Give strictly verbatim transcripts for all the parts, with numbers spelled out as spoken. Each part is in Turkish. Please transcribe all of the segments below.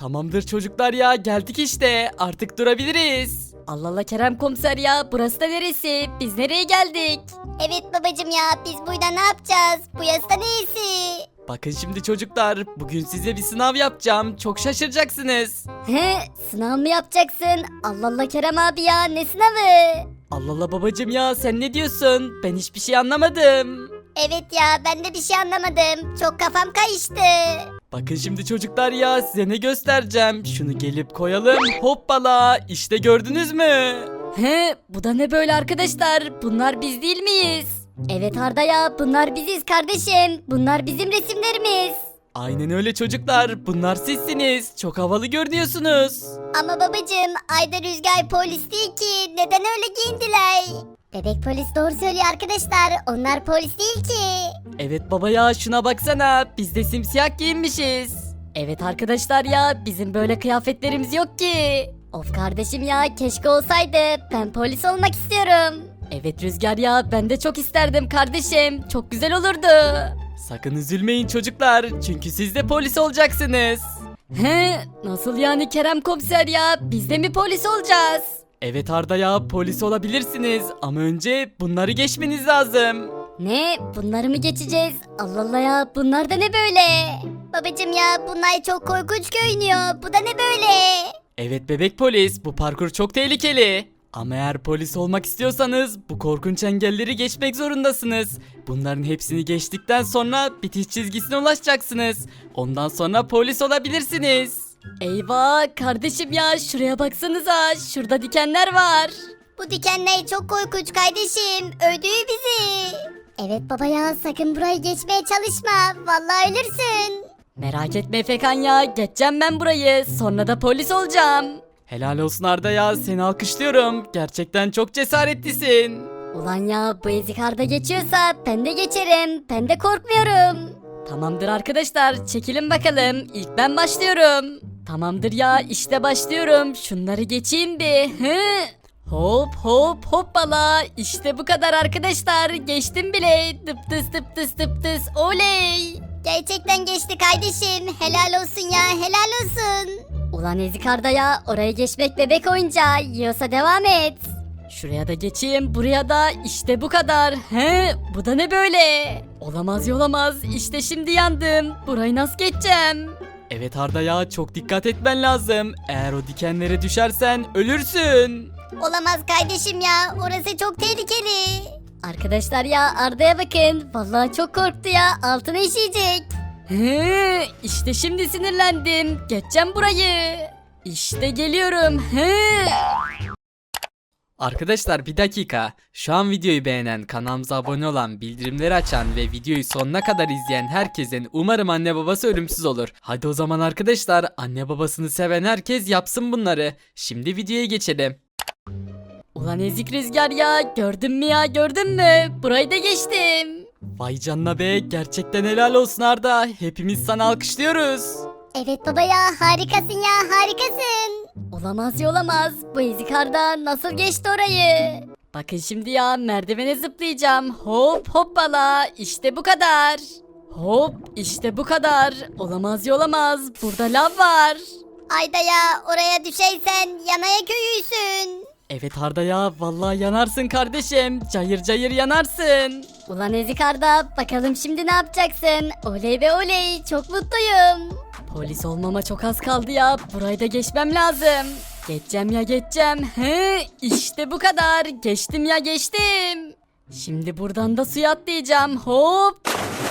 Tamamdır çocuklar ya, geldik işte, artık durabiliriz. Allah Allah Kerem komiser ya, burası da neresi? Biz nereye geldik? Evet babacım ya, biz burada ne yapacağız? Bu yasta neyisi? Bakın şimdi çocuklar, bugün size bir sınav yapacağım, çok şaşıracaksınız. He, sınav mı yapacaksın? Allah Allah Kerem abi ya, ne sınavı? Allah Allah babacım ya, sen ne diyorsun? Ben hiçbir şey anlamadım. Evet ya, ben de bir şey anlamadım. Çok kafam kayıştı. Bakın şimdi çocuklar ya, size ne göstereceğim. Şunu gelip koyalım, hoppala, işte gördünüz mü? He, bu da ne böyle arkadaşlar? Bunlar biz değil miyiz? Evet Arda ya, bunlar biziz kardeşim. Bunlar bizim resimlerimiz. Aynen öyle çocuklar, bunlar sizsiniz, çok havalı görünüyorsunuz. Ama babacım, Ayda Rüzgar polis değil ki. Neden öyle giyindiler? Bebek polis doğru söylüyor arkadaşlar. Onlar polis değil ki. Evet baba ya, şuna baksana, biz de simsiyah giyinmişiz. Evet arkadaşlar ya, bizim böyle kıyafetlerimiz yok ki. Of kardeşim ya, keşke olsaydı. Ben polis olmak istiyorum. Evet Rüzgar ya, ben de çok isterdim kardeşim. Çok güzel olurdu. Sakın üzülmeyin çocuklar, çünkü siz de polis olacaksınız. He, nasıl yani Kerem komiser ya? Biz de mi polis olacağız? Evet Arda ya, polis olabilirsiniz ama önce bunları geçmeniz lazım. Ne? Bunları mı geçeceğiz? Allah Allah ya, bunlar da ne böyle? Babacım ya, bunlar çok korkunç görünüyor. Bu da ne böyle? Evet bebek polis, bu parkur çok tehlikeli. Ama eğer polis olmak istiyorsanız bu korkunç engelleri geçmek zorundasınız. Bunların hepsini geçtikten sonra bitiş çizgisine ulaşacaksınız. Ondan sonra polis olabilirsiniz. Eyvah kardeşim ya, şuraya baksanıza, şurada dikenler var. Bu dikenler çok korkunç kardeşim. Öldürür bizi. Evet baba ya, sakın burayı geçmeye çalışma. Vallahi ölürsün. Merak etme Efekan ya, geçeceğim ben burayı, sonra da polis olacağım. Helal olsun Arda ya, seni alkışlıyorum. Gerçekten çok cesaretlisin. Ulan ya, bu ezik Arda geçiyorsa ben de geçerim, ben de korkmuyorum. Tamamdır arkadaşlar, çekilin bakalım, ilk ben başlıyorum. Tamamdır ya, işte başlıyorum, şunları geçeyim bir. Hı? Hop hop hoppala, işte bu kadar arkadaşlar, geçtim bile. Tıp tıs tıp tıs tıp tıs, oley. Gerçekten geçti kardeşim. Helal olsun ya, helal olsun. Ulan ezik Arda ya, oraya geçmek bebek oyuncağı, yiyorsa devam et. Şuraya da geçeyim, buraya da, işte bu kadar. He, bu da ne böyle? Olamaz olamaz, işte şimdi yandım. Burayı nasıl geçeceğim? Evet Arda ya, çok dikkat etmen lazım. Eğer o dikenlere düşersen ölürsün. Olamaz kardeşim ya, orası çok tehlikeli. Arkadaşlar ya, Arda'ya bakın, vallahi çok korktu ya, altına işeyecek. He, işte şimdi sinirlendim, geçeceğim burayı. İşte geliyorum. He. Arkadaşlar bir dakika. Şu an videoyu beğenen, kanalımıza abone olan, bildirimleri açan ve videoyu sonuna kadar izleyen herkesin umarım anne babası ölümsüz olur. Hadi o zaman arkadaşlar, anne babasını seven herkes yapsın bunları. Şimdi videoya geçelim. Ulan ezik Rüzgar ya, gördün mü ya, gördün mü? Burayı da geçtim. Vay canına be, gerçekten helal olsun Arda. Hepimiz sana alkışlıyoruz. Evet baba ya, harikasın ya, harikasın. Olamaz ya, olamaz. Bu ezik Arda nasıl geçti orayı? Bakın şimdi ya, merdivene zıplayacağım. Hop hoppala, işte bu kadar. Hop, işte bu kadar. Olamaz ya, olamaz. Burada lav var. Ayda ya, oraya düşeysen yanaya köyüysün. Evet Arda ya, vallahi yanarsın kardeşim. Cayır cayır yanarsın. Ulan ezik Arda, bakalım şimdi ne yapacaksın? Oley ve oley, çok mutluyum. Polis olmama çok az kaldı ya, burayı da geçmem lazım. Geçeceğim ya, geçeceğim. He, işte bu kadar, geçtim ya, geçtim. Şimdi buradan da suya atlayacağım, hop.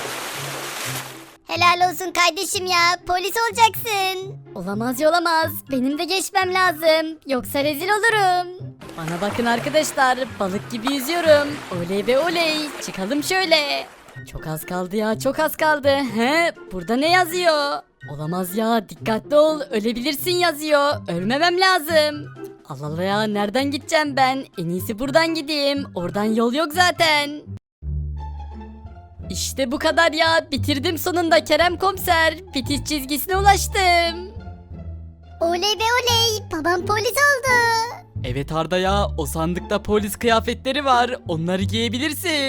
Helal olsun kardeşim ya, polis olacaksın. Olamaz ya, olamaz, benim de geçmem lazım, yoksa rezil olurum. Bana bakın arkadaşlar, balık gibi yüzüyorum. Oley be oley, çıkalım şöyle. Çok az kaldı ya, çok az kaldı. He, burada ne yazıyor? Olamaz ya, dikkatli ol, ölebilirsin yazıyor. Ölmemem lazım. Allah Allah ya, nereden gideceğim ben? En iyisi buradan gideyim. Oradan yol yok zaten. İşte bu kadar ya, bitirdim sonunda Kerem komiser. Bitiş çizgisine ulaştım. Oley be oley, babam polis oldu. Evet Arda ya, o sandıkta polis kıyafetleri var. Onları giyebilirsin.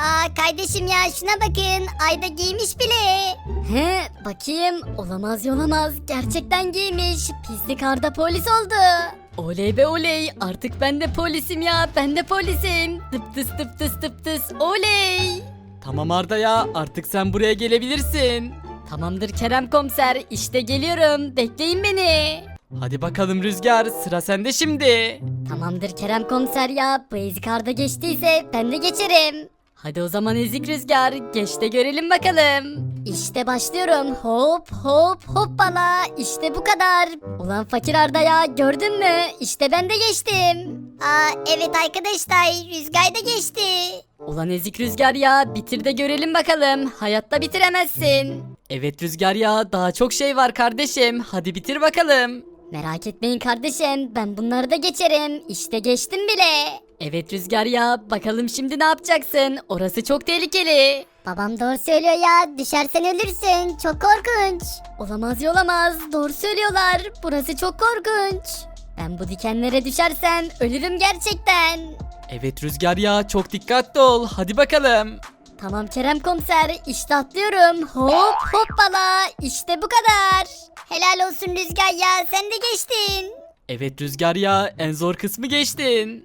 Aa kardeşim ya şuna bakın. Ayda giymiş bile. He bakayım olamaz yolamaz gerçekten giymiş pislik Arda polis oldu. Oley be oley artık ben de polisim ya ben de polisim. Tıp tıs tıp tıs tıp tıs oley. Tamam Arda ya, artık sen buraya gelebilirsin. Tamamdır Kerem komiser işte geliyorum bekleyin beni. Hadi bakalım Rüzgar, sıra sende şimdi. Tamamdır Kerem komiser ya bu ezik Arda geçtiyse ben de geçerim. Hadi o zaman ezik Rüzgar geç de görelim bakalım. İşte başlıyorum hop hop hoppala işte bu kadar. Ulan fakir Arda ya gördün mü işte ben de geçtim. Aa evet arkadaşlar Rüzgar da geçti. Ulan ezik Rüzgar ya bitir de görelim bakalım hayatta bitiremezsin. Evet Rüzgar ya, daha çok şey var kardeşim, hadi bitir bakalım. Merak etmeyin kardeşim ben bunları da geçerim işte geçtim bile. Evet Rüzgar ya bakalım şimdi ne yapacaksın orası çok tehlikeli. Babam doğru söylüyor ya. Düşersen ölürsün. Çok korkunç. Olamaz yolamaz doğru söylüyorlar burası çok korkunç. Ben bu dikenlere düşersem ölürüm gerçekten. Evet Rüzgar ya, çok dikkatli ol, hadi bakalım. Tamam Kerem komiser işte atlıyorum hop hoppala işte bu kadar. Helal olsun Rüzgar ya. Sen de geçtin. Evet Rüzgar ya, en zor kısmı geçtin.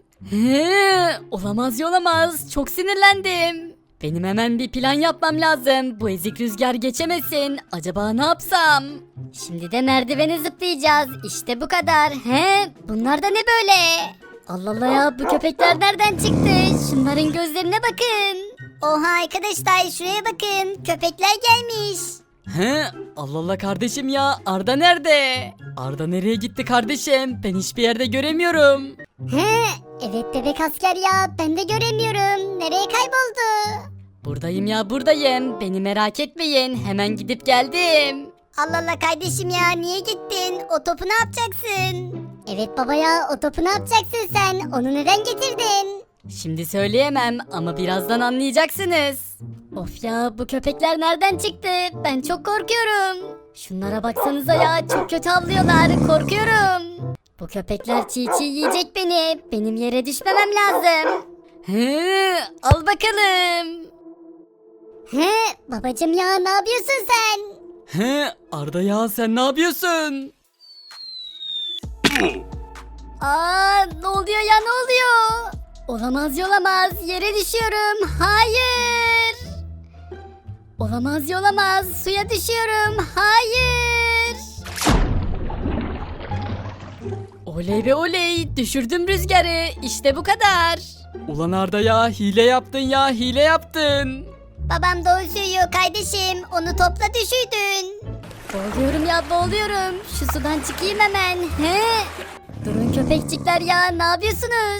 He, olamaz yolamaz çok sinirlendim. Benim hemen bir plan yapmam lazım. Bu ezik Rüzgar geçemesin. Acaba ne yapsam? Şimdi de merdiveni zıplayacağız. İşte bu kadar. He, bunlar da ne böyle? Allah Allah ya bu köpekler nereden çıktı? Şunların gözlerine bakın. Oha arkadaşlar şuraya bakın. Köpekler gelmiş. He, Allah Allah kardeşim ya, Arda nerede? Arda nereye gitti kardeşim? Ben hiçbir yerde göremiyorum. He, evet bebek asker ya. Ben de göremiyorum. Nereye kayboldu? Buradayım ya buradayım. Beni merak etmeyin. Hemen gidip geldim. Allah Allah kardeşim ya. Niye gittin? O topu ne yapacaksın? Evet baba ya. O topu ne yapacaksın sen? Onu neden getirdin? Şimdi söyleyemem ama birazdan anlayacaksınız. Of ya bu köpekler nereden çıktı? Ben çok korkuyorum. Şunlara baksanıza ya çok kötü havlıyorlar. Korkuyorum. Bu köpekler çiğ çiğ yiyecek beni. Benim yere düşmemem lazım. Hı, al bakalım. He, babacım ya ne yapıyorsun sen? He, Arda ya, sen ne yapıyorsun? Aa ne oluyor ya ne oluyor? Olamaz yolamaz yere düşüyorum. Hayır. Olamaz yolamaz suya düşüyorum. Hayır. Oley be oley düşürdüm Rüzgar'ı. İşte bu kadar. Ulan Arda ya, hile yaptın ya, hile yaptın. Babam doğru söylüyor kardeşim. Onu topla düşürdün. Boğuluyorum ya boğuluyorum. Şu sudan çıkayım hemen. He? Durun köpekçikler ya ne yapıyorsunuz?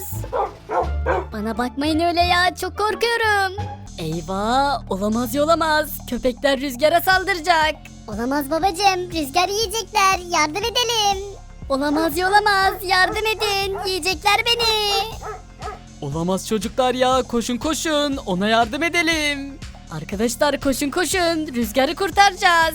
Bana bakmayın öyle ya çok korkuyorum. Eyvah olamaz yolamaz. Köpekler Rüzgar'a saldıracak. Olamaz babacım. Rüzgar yiyecekler. Yardım edelim. Olamaz yolamaz yardım edin. Yiyecekler beni. Olamaz çocuklar ya, koşun koşun, ona yardım edelim. Arkadaşlar koşun koşun. Rüzgar'ı kurtaracağız.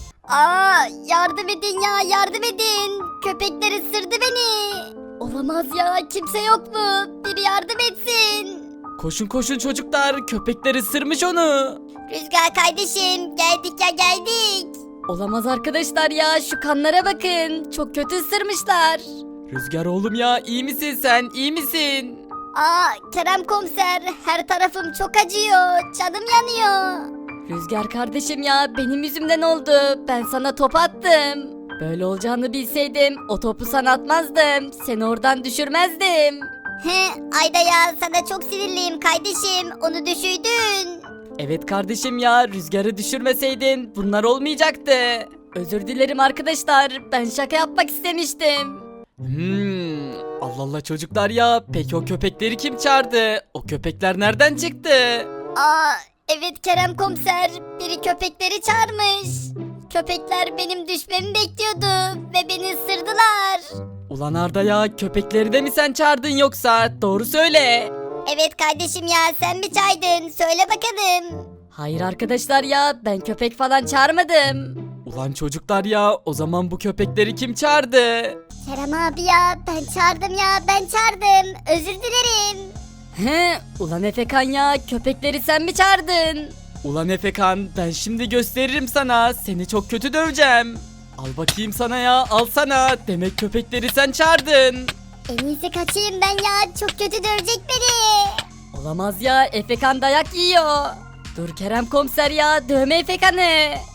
Aa yardım edin ya yardım edin. Köpekler ısırdı beni. Olamaz ya kimse yok mu? Biri yardım etsin. Koşun koşun çocuklar, köpekler ısırmış onu. Rüzgar kardeşim. Geldik ya geldik. Olamaz arkadaşlar ya şu kanlara bakın. Çok kötü ısırmışlar. Rüzgar oğlum ya, iyi misin sen, iyi misin? Aa Kerem komiser. Her tarafım çok acıyor. Canım yanıyor. Rüzgar kardeşim ya benim yüzümden oldu. Ben sana top attım. Böyle olacağını bilseydim o topu sana atmazdım. Seni oradan düşürmezdim. He Ayda ya sana çok sinirliyim kardeşim. Onu düşürdün. Evet kardeşim ya, Rüzgar'ı düşürmeseydin bunlar olmayacaktı. Özür dilerim arkadaşlar. Ben şaka yapmak istemiştim. Hmm, Allah Allah çocuklar ya, peki o köpekleri kim çağırdı? O köpekler nereden çıktı? Aa evet Kerem komiser. Biri köpekleri çağırmış. Köpekler benim düşmemi bekliyordu ve beni ısırdılar. Ulan Arda ya, köpekleri de mi sen çağırdın yoksa? Doğru söyle. Evet kardeşim ya sen mi çağırdın? Söyle bakalım. Hayır arkadaşlar ya ben köpek falan çağırmadım. Ulan çocuklar ya, o zaman bu köpekleri kim çağırdı? Kerem abi ya ben çağırdım ya ben çağırdım. Özür dilerim. He, ulan Efekan ya, köpekleri sen mi çağırdın? Ulan Efekan, ben şimdi gösteririm sana. Seni çok kötü döveceğim. Al bakayım sana ya, al sana. Demek köpekleri sen çağırdın. En iyisi kaçayım ben ya. Çok kötü dövecek beni. Olamaz ya, Efekan dayak yiyor. Dur Kerem komiser ya, dövme Efekan'ı.